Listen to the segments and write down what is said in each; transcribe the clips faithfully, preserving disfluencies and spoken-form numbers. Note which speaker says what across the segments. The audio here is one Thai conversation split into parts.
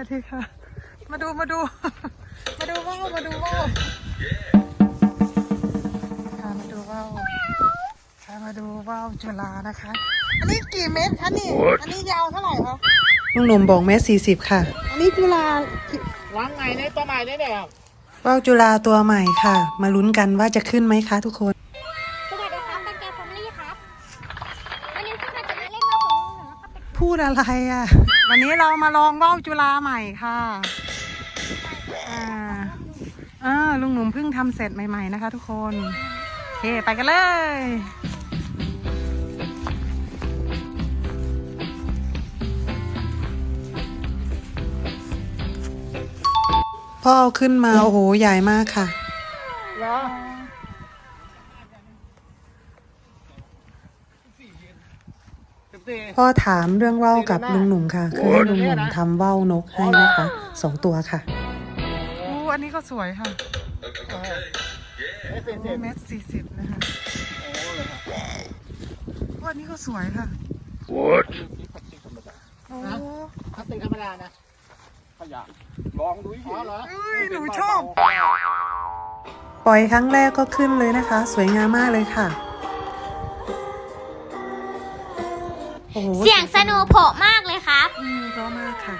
Speaker 1: ดีค่ะมาดูมาดูมาดูว่าวมาดูว่าวค่ะมาดูว่าวค่ะมาดูว่าวจุฬานะคะอันนี้กี่เมตรคะนี่อันนี้ยาวเท่าไหร่คะลุงหนุ่มบอกเมตรสี่สิบค่ะอันนี้จุฬา
Speaker 2: ล้างไงในตัวใหม่ได้เนี่ย
Speaker 1: ว่าวจุฬาตัวใหม่ค่ะมาลุ้นกันว่าจะขึ้นไหมคะทุกคน
Speaker 3: สวัสดีครับเป็นแกฟอร์มลี่ครับวันนี้พี่มาจะมาเล่นว่าวของลุงหนูนะครับ
Speaker 1: พูดอะไรอ่ะวันนี้เรามาลองว่าวจุฬาใหม่ค่ะอ่าอ่าลุงหนุ่มเพิ่งทำเสร็จใหม่ๆนะคะทุกคนโอเคไปกันเลยพ่อเอาขึ้นมาโอ้โหใหญ่มากค่ะพ่อถามเรื่องว่าวกับลุงหนุ่มค่ะคือให้ลุงหนุ่มทำว่าวนกให้นะคะสองตัวค่ะโอ้อันนี้ก็สวยค่ะเมตรสี่สิบนะคะโอ้อันนี้ก็สวยค่ะโอ้
Speaker 2: พลาสติกธรรมดานะขยะลองดูอ๋อเหรอ
Speaker 1: หนูชอบปล่อยครั้งแรกก็ขึ้นเลยนะคะสวยงามมากเลยค่ะ
Speaker 3: เสียงสนุกโผล่มากเลยครับ
Speaker 1: อืมเพราะมากค่ะ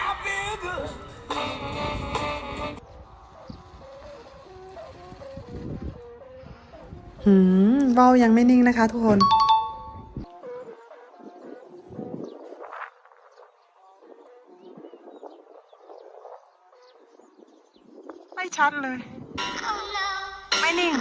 Speaker 1: หืมว่าวยังไม่นิ่งนะคะทุกคนไม่ชัดเลยไม่นิ่ง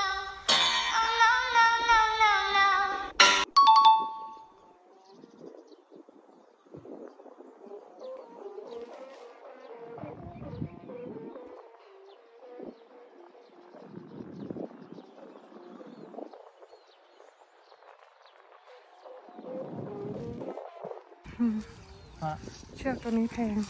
Speaker 1: เชือกตัวนี้แพง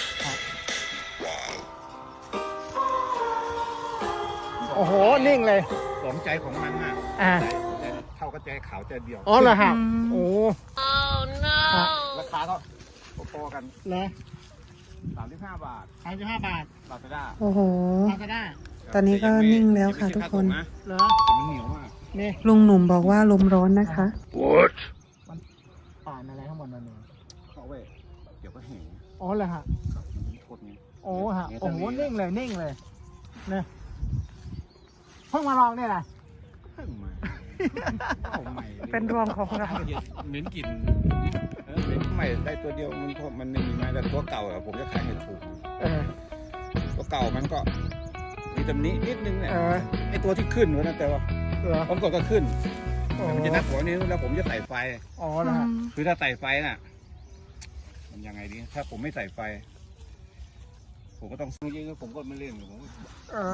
Speaker 2: โอ้โหนิ่งเลย
Speaker 4: สมใจของมันอ่ะ
Speaker 2: อ่า
Speaker 4: เท่ากระแจขาวใจเดียว
Speaker 2: อ๋อเหรอฮะโอ้
Speaker 4: ราคาก็พอกัน
Speaker 2: เลย
Speaker 4: สามสิบห้าบาท
Speaker 2: สามสิบห้าบาท
Speaker 4: ลาซาด้า
Speaker 1: โอ้โห
Speaker 2: ลาซาด้า
Speaker 1: ตอนนี้ก็นิ่งแล้วค่ะทุกคน
Speaker 2: เหรอ
Speaker 4: แต่มันเหนียวมาก
Speaker 2: นี่
Speaker 1: ลุงหนุ่มบอกว่าลมร้อนนะคะ
Speaker 4: What
Speaker 2: มันป่านอะไรข้างบนนั่นเอง
Speaker 4: เขาเว้ยเดี๋ยวก็แห้ง
Speaker 2: อ๋อเลยฮะโอ้ฮะโอ้โหนิ่งเลยนิ่งเลยเนี่ยเพิ่งมาลองเนี่ยนะ
Speaker 4: เพิ่งมา
Speaker 1: เป็นดวงของเรา
Speaker 4: เหม็นกลิ่นเหม็นใหม่ได้ตัวเดียวมันมันไม่มีไม้แต่ตัวเก่าอะผมจะขายให้ถูกตัวเก่ามันก็มีตำหนินิดนึงเนี่ยไอตัวที่ขึ้นวะนะแต่ว่าผมก็ก็ขึ้นมันจะนักหัวนี้แล้วผมจะใส่ไฟ
Speaker 2: อ๋อนะ
Speaker 4: คือถ้าใส่ไฟน่ะมันยังไงดีถ้าผมไม่ใส่ไฟผมก็ต้องซื้อเยอะผมก็ไม่เล่นผม
Speaker 2: เออ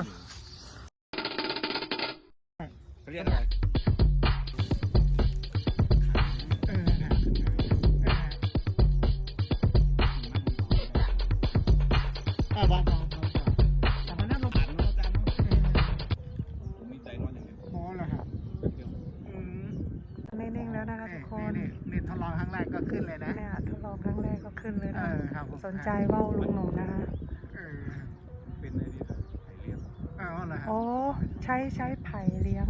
Speaker 4: เขาเรียกอะไร
Speaker 2: บ้านแต่มันน่าลงผ่านแล้วอาจารย์
Speaker 4: ผมมีใจร้อนอย่างนี้
Speaker 2: พอแล้วครับ
Speaker 1: นิ่งๆแล้วนะคะทุกคน
Speaker 2: นี่ทดลองครั้งแรกก็ขึ้นเลยนะ
Speaker 1: เนี่ยทดลองครั้งแรกก็ขึ้นเลยนะสนใจว่าวลุงหนุ่มนะคะ
Speaker 4: เป็นอะไรดีครับไผ่เลี้ยง
Speaker 2: อ๋อเหรอครับ
Speaker 1: โอ้ใช้ใช้ไผ่เลี้ยง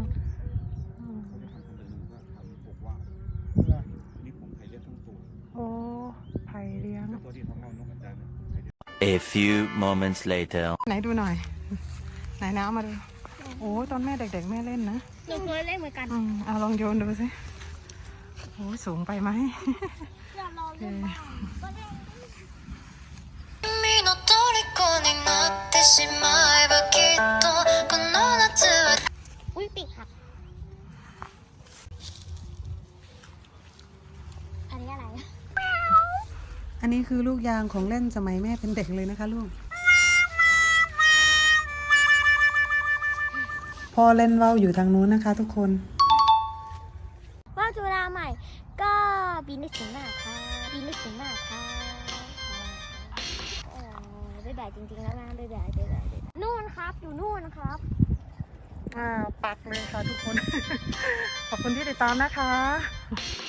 Speaker 4: นี่ผมไผ่เลี้ยงทั้งตัว
Speaker 1: โอ้ไผ่เลี้ยง
Speaker 4: ตัวที่ท้องเรานกอาจารย์
Speaker 5: A few moments later
Speaker 1: ไหนดูหน่อยไหนน้ำมาดูโอ้ตอนแม่เด็กๆแม่เล่นนะ
Speaker 3: หนูเคยเล่นเหมือนกัน
Speaker 1: อืมเอาลองโยนดูสิโอ้สูงไปไหม
Speaker 3: อย่าลองเล่นบ้างอุ้ยปีกหักอันนี้อะไร
Speaker 1: อันนี้คือลูกยางของเล่นสมัยแม่เป็นเด็กเลยนะคะลูกพ่อเล่นว่าวอยู่ทางนู้นนะคะทุกคน
Speaker 3: ว่าวจุฬาใหม่ก็บินได้สูงมากค่ะบินได้สูงมากค่ะโอ้ได้แบบจริงๆแล้วนะได้แบบได้แบบนู่นครับอยู่นู่นครับ
Speaker 1: อ่าปักเลยค่ะทุกคนขอบคุณที่ติดตามนะคะ